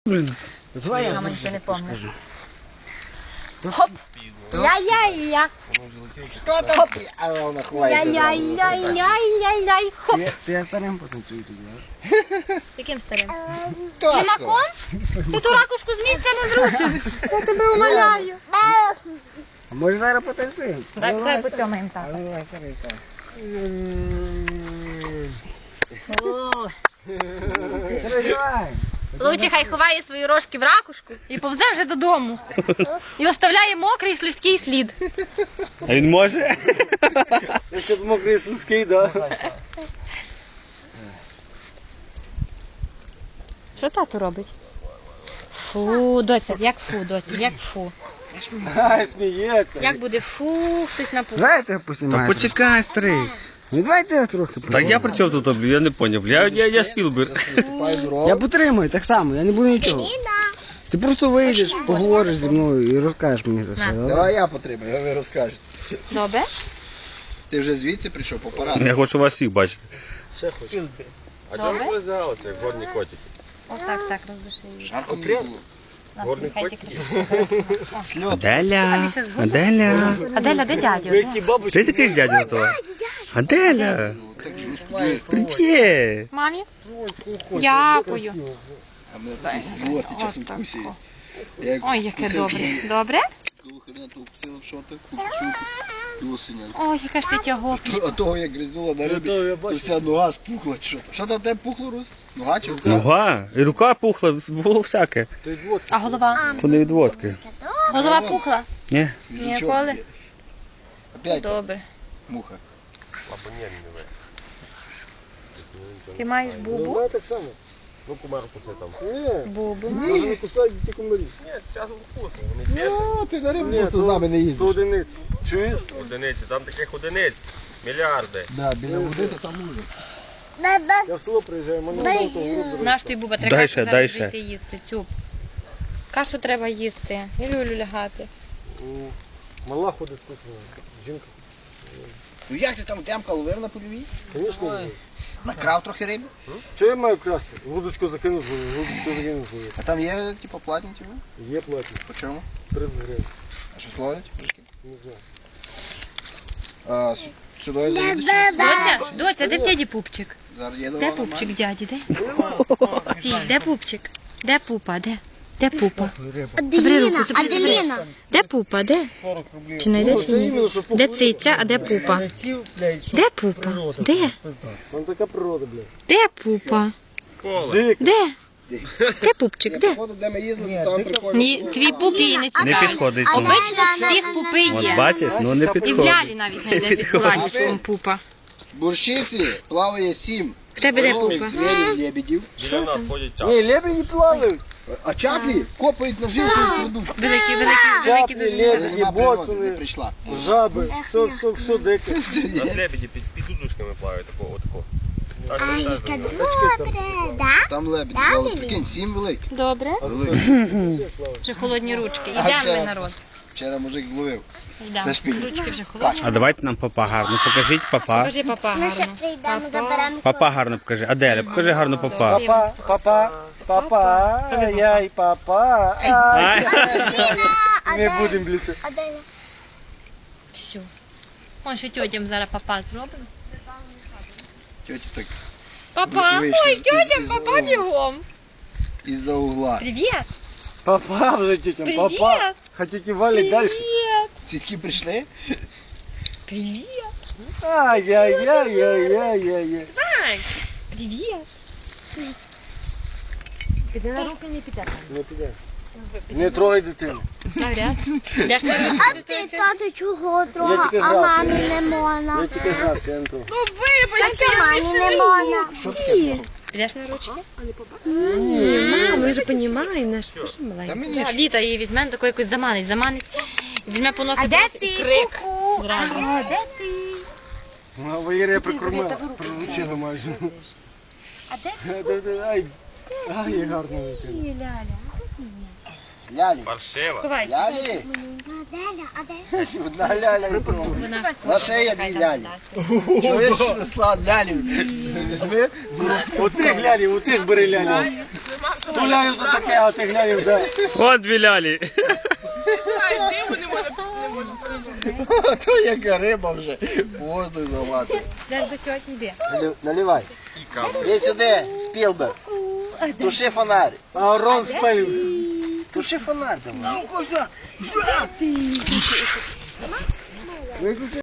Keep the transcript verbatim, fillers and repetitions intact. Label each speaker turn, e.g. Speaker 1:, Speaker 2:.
Speaker 1: Блин, давай я
Speaker 2: Мама нічого не помню.
Speaker 1: скажу.
Speaker 2: Хоп! Я-я-я!
Speaker 1: Хто там? А вона ховається.
Speaker 2: Я-я-я-я-я-я! Хоп!
Speaker 1: Ти, ти я старим потанцюю тоді, а?
Speaker 2: Яким старим?
Speaker 1: Тоско.
Speaker 2: Лимаком? Ти ту ракушку з місця не зрушиш. Я тебе умоляю.
Speaker 1: А може зараз потанцюємо?
Speaker 2: Так,
Speaker 1: Ну,
Speaker 2: давай
Speaker 1: давай,
Speaker 2: потьомаємо
Speaker 1: А
Speaker 2: так.
Speaker 1: ну давай, старий, старий.
Speaker 2: О,
Speaker 1: Старий, давай.
Speaker 2: Лучі хай ховає свої рожки в ракушку і повзе вже додому. І оставляє мокрий слизький слід.
Speaker 3: А він може?
Speaker 1: Якщо б мокрий слизький, да.
Speaker 2: Що тато робить? Фу, доця, як фу, доця, як фу.
Speaker 1: Ай, сміється.
Speaker 2: Як буде фу, хтось напустить.
Speaker 1: Давайте
Speaker 3: Та
Speaker 1: посімаємо.
Speaker 3: почекай, старий.
Speaker 1: Ну давайте я трохи.
Speaker 3: Так я при чому тут? Я не поняв. Я, я, я Спілберг.
Speaker 1: Я потримаю так само, я не буду нічого. Ти просто вийдеш, поговориш зі мною і розкажеш мені за все.
Speaker 2: На.
Speaker 1: Давай.
Speaker 4: Давай я потримаю, ви розкажете.
Speaker 2: Добре?
Speaker 4: Ти вже звідси прийшов по параду.
Speaker 3: Я хочу вас всіх бачити.
Speaker 1: Ще хочу.
Speaker 5: А чому ви взяли це горні котики?
Speaker 2: Отак, так, роздуши її.
Speaker 4: Жарко не було.
Speaker 5: Горний
Speaker 2: Хай
Speaker 5: котик?
Speaker 2: тільки
Speaker 4: Сльот.
Speaker 3: Аделя, Аделя.
Speaker 2: Аделя, де дядя?
Speaker 3: Ти якийсь дядя того? Аделя.
Speaker 4: Так же успокоїть.
Speaker 3: Привіт.
Speaker 2: Мамі? Дякую.
Speaker 4: А мене такі злості часом
Speaker 2: Отак.
Speaker 4: вкусили. Я як
Speaker 2: Ой, яке
Speaker 4: вкусив
Speaker 2: добре.
Speaker 4: її,
Speaker 2: Добре?
Speaker 4: того хрена того вкусила в шоти, купчуку, того синя.
Speaker 2: Ой, яка ж ти тягопля.
Speaker 4: А того як гризнула на рибі, то вся нога спухла чи що. Що там в тебе пухло, Рус? Нога чи рука?
Speaker 3: Нога. І рука пухла, було всяке.
Speaker 2: А голова?
Speaker 3: То не від водки.
Speaker 2: Голова пухла?
Speaker 3: Ні?
Speaker 4: Язичок
Speaker 2: Ніколи?
Speaker 4: є. Опять
Speaker 2: Добре.
Speaker 4: муха.
Speaker 5: Або ні, не ви.
Speaker 2: Ти маєш бубу?
Speaker 1: так само.
Speaker 5: Ну, кумарку це там.
Speaker 2: Бубу.
Speaker 1: Може не кусають ті комарі.
Speaker 5: Ні, часом вкусно, вони бісять.
Speaker 4: Ну, ти на рибу тут з нами не їздиш.
Speaker 1: одиниць. Чуєш?
Speaker 5: Одиниці, там таких одиниць. Мільярди.
Speaker 4: Да, біля води, то там може.
Speaker 1: Я в село приїжджаю, мене знову то грубо.
Speaker 2: Наш ти буба, треба
Speaker 3: Дай
Speaker 2: кашу
Speaker 3: ще,
Speaker 2: зараз
Speaker 3: дай ще.
Speaker 2: зайти їсти. Цюб. Кашу треба їсти. І люлю лягати.
Speaker 1: Мала ходить скусена. Жінка.
Speaker 4: Ну як ти там темка ловив на польовій?
Speaker 1: Звісно.
Speaker 4: Накрав трохи риби?
Speaker 1: Що я маю красти? Вудочку закинув, вудочку закинув.
Speaker 4: А там є, типу, платні ті?
Speaker 1: Є платні.
Speaker 4: По чому?
Speaker 1: тридцять гривень.
Speaker 4: А що ловлять?
Speaker 1: Не знаю.
Speaker 4: А, с- сюди заїдеш?
Speaker 2: Доця, доця, де дяді пупчик?
Speaker 4: Зараз є
Speaker 2: Де
Speaker 4: дорога
Speaker 2: пупчик,
Speaker 4: нормально.
Speaker 2: дяді, де? Стій, де пупчик? Де пупа, де? Де пупа? Забери руку,
Speaker 6: Аделіна,
Speaker 2: забери, забери.
Speaker 6: Аделіна.
Speaker 2: Де пупа, де? Чи не йде, чи ні? Де циця, а де пупа? Де пупа? Де?
Speaker 1: Там така природа, блядь.
Speaker 2: Де пупа?
Speaker 5: Коле.
Speaker 2: Де? Де пупчик, де?
Speaker 4: Походу, де ми їздили, то там прикольно.
Speaker 2: Ні, твій пуп їй не
Speaker 3: Не
Speaker 2: цікавий.
Speaker 3: підходить йому.
Speaker 2: Обично всіх пупи
Speaker 3: От
Speaker 2: є.
Speaker 3: бачиш, ну не
Speaker 2: І в
Speaker 3: підходить.
Speaker 2: лялі навіть не йде під платічком пупа.
Speaker 4: В Бурщиці плаває сім.
Speaker 2: В тебе де
Speaker 4: Здорових
Speaker 2: пупа?
Speaker 4: звірів, лебедів.
Speaker 5: Біля нас ходять чапи.
Speaker 1: Ні, лебеді плавають.
Speaker 4: А чаплі копають на жилку і кладуть.
Speaker 2: Великі, великі, великі
Speaker 1: Чаплі,
Speaker 2: дуже.
Speaker 1: лебеді,
Speaker 4: Нема природи, не
Speaker 1: боцани,
Speaker 4: прийшла.
Speaker 1: жаби, все, все, все дике.
Speaker 5: У нас лебеді під, під удушками плавають, такого, отако. Так,
Speaker 6: Ай,
Speaker 5: так,
Speaker 6: яка
Speaker 5: так.
Speaker 6: добре, да?
Speaker 4: Там лебеді, але прикинь, сім великих.
Speaker 2: Добре.
Speaker 4: Великих.
Speaker 2: Вже холодні ручки.
Speaker 4: А
Speaker 2: Йдемо
Speaker 4: це-
Speaker 2: ми, народ.
Speaker 4: Вчора мужик зловив.
Speaker 2: Йдемо.
Speaker 4: На шпилі.
Speaker 2: Ручки вже холодні.
Speaker 3: А давайте нам папа гарно. Покажіть папа.
Speaker 2: Покажи папа
Speaker 6: Ми ще
Speaker 2: гарно.
Speaker 6: прийдемо,
Speaker 2: Папа.
Speaker 6: заберемо.
Speaker 3: Папа гарно покажи. Аделя, покажи гарно папа.
Speaker 1: Папа, папа, папа, ай-яй, папа, ай. Не будемо більше.
Speaker 6: Аделя.
Speaker 2: Все. Ось що тьотям зараз папа зробимо.
Speaker 4: Тьоті так
Speaker 2: Папа,
Speaker 4: Вийшли
Speaker 2: ой,
Speaker 4: з-
Speaker 2: тьотям
Speaker 4: із-
Speaker 2: папа бігом.
Speaker 4: із-за угла.
Speaker 2: Привіт.
Speaker 1: Папа вже тітям, папа.
Speaker 2: Привіт.
Speaker 1: Хотите валить далі?
Speaker 2: Привіт.
Speaker 4: Тітки прийшли?
Speaker 2: Привіт.
Speaker 1: Ай-яй-яй-яй-яй-яй.
Speaker 2: Ай, привіт. Піди на руки не піде.
Speaker 1: Не піде. Не трогай дитину.
Speaker 2: Навряд. Йдеш на ручки
Speaker 6: А
Speaker 2: до
Speaker 6: ти,
Speaker 2: тьоті?
Speaker 6: тато, чого
Speaker 1: Я
Speaker 6: трохи,
Speaker 1: тільки
Speaker 6: а
Speaker 1: грався.
Speaker 6: мамі не можна?
Speaker 1: Я тільки грався, я не трогав.
Speaker 2: Ну вибачте,
Speaker 6: А
Speaker 2: я
Speaker 6: мамі не можна?
Speaker 4: Що таке?
Speaker 2: Підеш на ручки?
Speaker 7: Мам, мы же понимаем, наш тоже
Speaker 4: Та
Speaker 7: маленький.
Speaker 4: мені
Speaker 2: Да,
Speaker 4: ж
Speaker 2: Віта її візьме, таку якусь заманить, заманить. І візьме по носі,
Speaker 6: А де
Speaker 2: поносить,
Speaker 6: ти,
Speaker 2: і крик.
Speaker 6: ку-ку?
Speaker 2: Зразу.
Speaker 6: А де ти?
Speaker 1: Ну, Валерія я прикормила, приручила майже.
Speaker 6: А де
Speaker 1: Ай, ай, гарно дитина.
Speaker 6: ти, Ляля?
Speaker 4: лялі.
Speaker 5: Паршива.
Speaker 2: Ховай.
Speaker 4: Лялі?
Speaker 6: Аделя, а де?
Speaker 4: Одна ляля і друга.
Speaker 2: Вона
Speaker 4: На шиї дві лялі. Чуєш, Руслан, лялі? Візьми.
Speaker 1: У тих лялі, у тих бери лялі.
Speaker 4: То лялю то таке, а ти глянь, де.
Speaker 3: Вон дві лялі.
Speaker 4: То яка риба вже. Воздух залазить.
Speaker 2: Зараз до чого йде.
Speaker 4: Налю- Наливай. Іди сюди, Спілберг. Туши фонарь. А Рон спалив. Туши фонарь давай.